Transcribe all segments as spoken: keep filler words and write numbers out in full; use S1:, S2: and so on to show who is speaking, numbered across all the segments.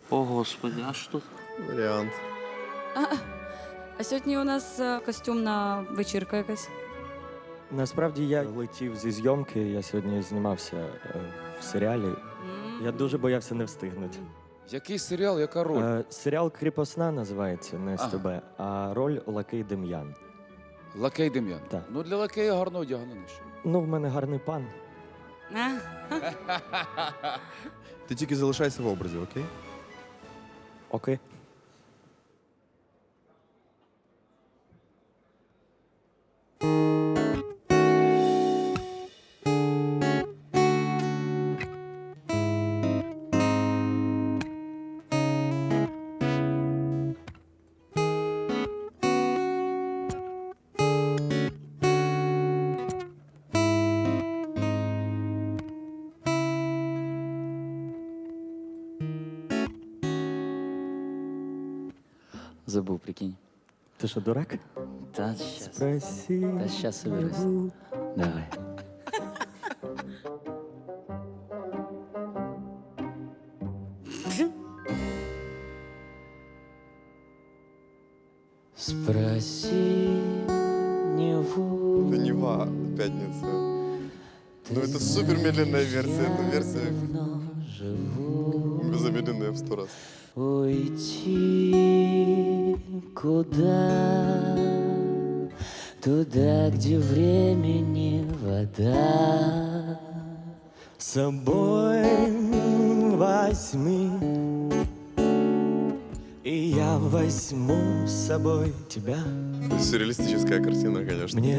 S1: О, Господи, а що?
S2: Варіант.
S3: А сьогодні у нас е, костюмна вечірка якась.
S4: Насправді я летів зі зйомки, я сьогодні знімався е, в серіалі. Я дуже боявся не встигнути.
S5: Який серіал, яка роль?
S4: Е, серіал «Кріпосна» називається на ес те бе, а роль Лакей Дем'ян.
S5: Лакей Дем'ян.
S4: Так.
S5: Ну, для лакея гарно одягнений.
S4: Ну, в мене гарний пан.
S3: А?
S2: Ти тільки залишайся в образі, окей?
S4: Окей.
S1: Забув, прикинь.
S4: Ти що, дурак?
S1: Та щас.
S4: Спроси.
S1: Та щас соберусь. Давай. Спроси Неву.
S2: Это Нева, пятница. Ну, это супер медленная версия. Это версия замедленная в сто раз.
S1: Уйти куда? Туда, где времени вода.
S4: С собой возьми, и я возьму с собой тебя.
S2: Сюрреалистическая картина, конечно.
S4: Мне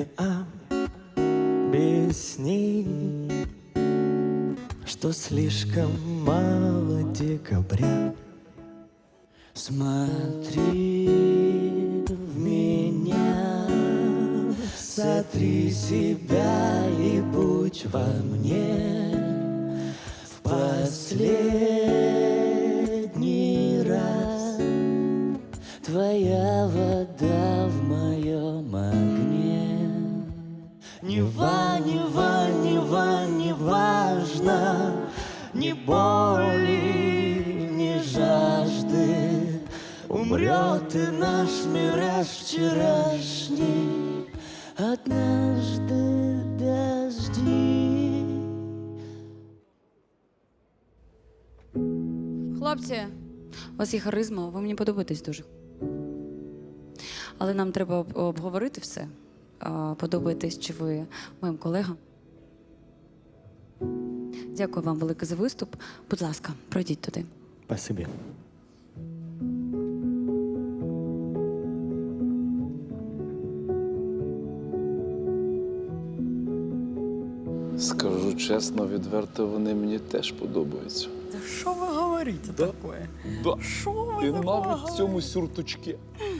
S4: объясни, что слишком мало декабря.
S1: Смотри в меня, сотри себя и будь во мне в последний раз. Твоя вода в моем огне. Нева, Нева, Нева, не важно, ни боли, ни жажды. Умрет и наш мираж вчерашний, однажды дожди.
S3: Хлопці, у вас є харизма, ви мені подобаєтесь дуже. Але нам треба об- обговорити все. А, Подобаєтесь чи ви моїм колегам. Дякую вам велике за виступ. Будь ласка, пройдіть туди.
S4: Спасибо.
S5: Скажу чесно, відверто, вони мені теж подобаються.
S6: Да что вы говорите такое?
S5: Да.
S6: Что вы
S5: І
S6: такое
S5: навіть в
S6: говорите?
S5: цьому сюртучці.